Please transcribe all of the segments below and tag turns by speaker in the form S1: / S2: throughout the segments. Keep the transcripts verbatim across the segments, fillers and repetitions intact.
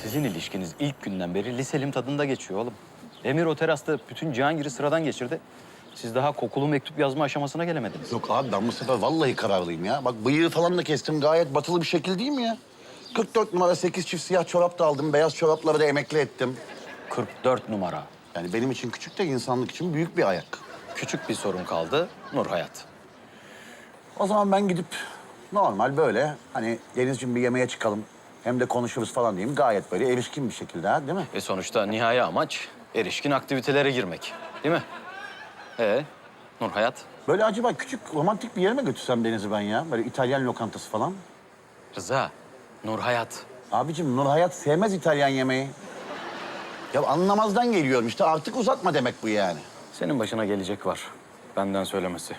S1: Sizin ilişkiniz ilk günden beri liselim tadında geçiyor oğlum. Emir o terasta bütün Cihangir'i sıradan geçirdi. Siz daha kokulu mektup yazma aşamasına gelemediniz.
S2: Yok abi ben bu sefer vallahi kararlıyım ya. Bak bıyığı falan da kestim. Gayet batılı bir şekil değil mi ya? kırk dört numara sekiz çift siyah çorap da aldım. Beyaz çorapları da emekli ettim.
S1: kırk dört numara.
S2: Yani benim için küçük de insanlık için büyük bir ayak.
S1: Küçük bir sorun kaldı. Nur Hayat.
S2: O zaman ben gidip normal böyle hani Denizciğim bir yemeğe çıkalım. Hem de konuşuruz falan diyeyim. Gayet böyle erişkin bir şekilde ha, değil mi?
S1: Ve sonuçta nihai amaç erişkin aktivitelere girmek. Değil mi? Ee, Nur Hayat?
S2: Böyle acaba küçük romantik bir yere mi götürsem Deniz'i ben ya? Böyle İtalyan lokantası falan.
S1: Rıza, Nur Hayat.
S2: Abicim Nur Hayat sevmez İtalyan yemeği. Ya anlamazdan geliyorum işte. Artık uzatma demek bu yani.
S1: Senin başına gelecek var. Benden söylemesi.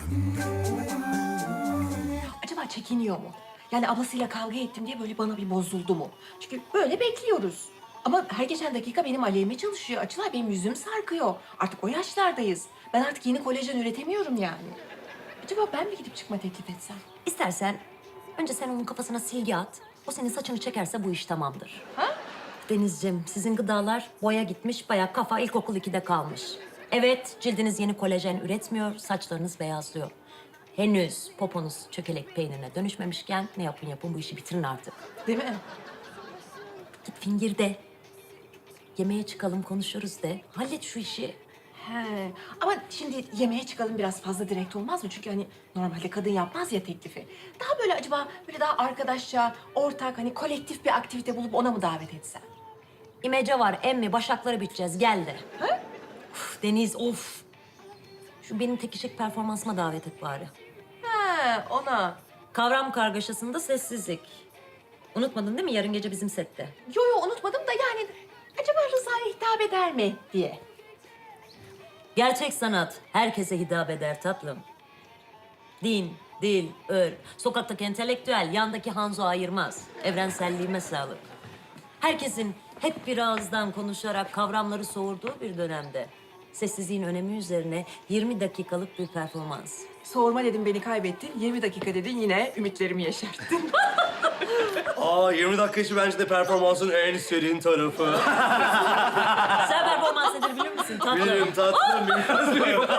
S3: Acaba çekiniyor mu? Yani ablasıyla kavga ettim diye böyle bana bir bozuldu mu? Çünkü böyle bekliyoruz. Ama her geçen dakika benim aleyhime çalışıyor. Açılay benim yüzüm sarkıyor. Artık o yaşlardayız. Ben artık yeni kolajen üretemiyorum yani. Acaba ben mi gidip çıkma teklif etsem?
S4: İstersen önce sen onun kafasına silgi at. O senin saçını çekerse bu iş tamamdır.
S3: Ha?
S4: Denizciğim, sizin gıdalar boya gitmiş, bayağı kafa ilkokul ikide kalmış. Evet, cildiniz yeni kolajen üretmiyor, saçlarınız beyazlıyor. Henüz poponuz çökelek peynirine dönüşmemişken ne yapın yapın bu işi bitirin artık.
S3: Değil mi?
S4: Git fingir de. Yemeğe çıkalım konuşuruz de. Hallet şu işi.
S3: He. Ama şimdi yemeğe çıkalım biraz fazla direkt olmaz mı? Çünkü hani normalde kadın yapmaz ya teklifi. Daha böyle acaba böyle daha arkadaşça, ortak hani kolektif bir aktivite bulup ona mı davet etsem?
S4: İmece var, emmi, başakları biteceğiz. Gel de.
S3: Ha?
S4: Uf, Deniz, of. Şu benim tek kişilik performansıma davet et bari.
S3: He, ona.
S4: Kavram kargaşasında sessizlik. Unutmadın değil mi yarın gece bizim sette?
S3: Yo yo unutmadım da yani acaba Rıza'ya hitap eder mi diye.
S4: Gerçek sanat herkese hitap eder tatlım. Din, dil, ör, sokaktaki entelektüel, yandaki Hanzo ayırmaz. Evrenselliğime sağlık. Herkesin hep bir ağızdan konuşarak kavramları soğurduğu bir dönemde sessizliğin önemi üzerine yirmi dakikalık bir performans.
S3: Sorma dedim beni kaybettin. yirmi dakika dedin yine ümitlerimi yeşerttin.
S5: Aa yirmi dakika için bence de performansın en serin tarafı.
S4: Sen performans nedir bilir misin tatlım?
S5: Bilirim tatlım, bilirim.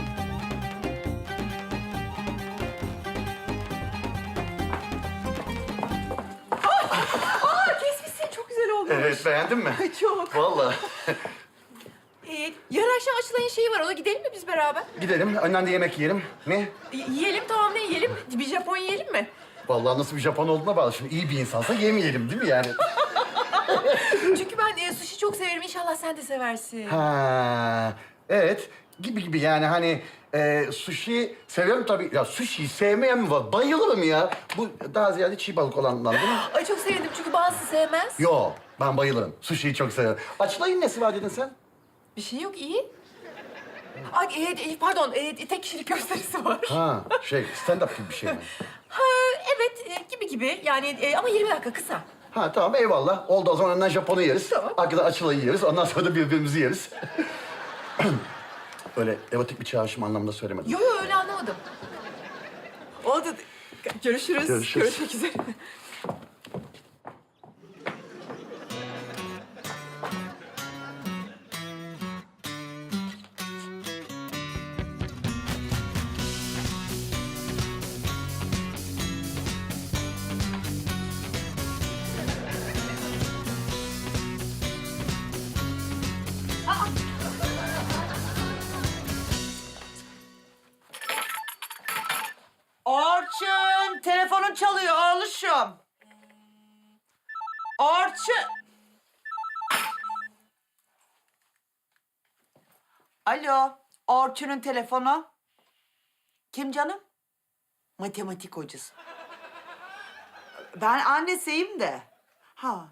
S3: Aa kesmişsin çok güzel olmuş.
S2: Evet beğendin mi?
S3: Çok.
S2: Vallahi.
S3: Ee, yarın akşam Açılay'ın şeyi var ona gidelim mi biz beraber?
S2: Gidelim önden de yemek yiyelim. Ne?
S3: Y- yiyelim tamam ne yiyelim? Bir Japon yiyelim mi?
S2: Vallahi nasıl bir Japon olduğuna bağlı. Şimdi iyi bir insansa yemeyelim değil mi yani?
S3: Çünkü ben e, sushi çok severim inşallah sen de seversin.
S2: Ha, evet. Gibi gibi yani hani e, sushi seviyorum tabii. Ya sushi'yi sevmeyen mi var? Bayılırım ya. Bu daha ziyade çiğ balık olandan değil mi?
S3: Ay çok sevindim çünkü bazısı sevmez.
S2: Yo, ben bayılırım. Sushi'yi çok severim. Açılay'ın nesi var dedin sen?
S3: Bir şey yok iyi. Ay e, e, pardon e, tek kişilik gösterisi var.
S2: Ha, şey stand-up gibi bir şey mi?
S3: Ha, evet e, gibi gibi yani e, ama yirmi dakika kısa.
S2: Ha tamam eyvallah. Oldu o zaman önden Japon'u yeriz.
S3: Tamam.
S2: Arkadan Açılay'ı yeriz. Ondan sonra da birbirimizi yeriz. Öyle erotik bir çağrışım anlamında söylemedim.
S3: Yo yo öyle anlamadım. Oldu. Görüşürüz.
S2: Görüşürüz.
S3: Görüşmek üzere.
S6: Orçun, telefonun çalıyor oğluşum. Orçun. Alo, Orçun'un telefonu. Kim canım? Matematik hocası. Ben annesiyim de. Ha.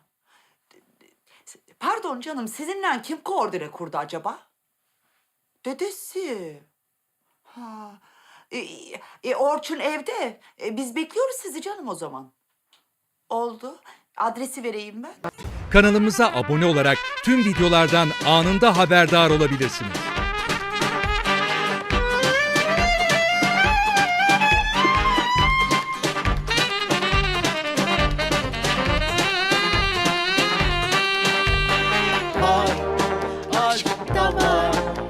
S6: Pardon canım, sizinle kim koordine kurdu acaba? Dedesi. Ha. E, e, Orçun evde. E, biz bekliyoruz sizi canım o zaman. Oldu. Adresi vereyim ben.
S7: Kanalımıza abone olarak tüm videolardan anında haberdar olabilirsiniz.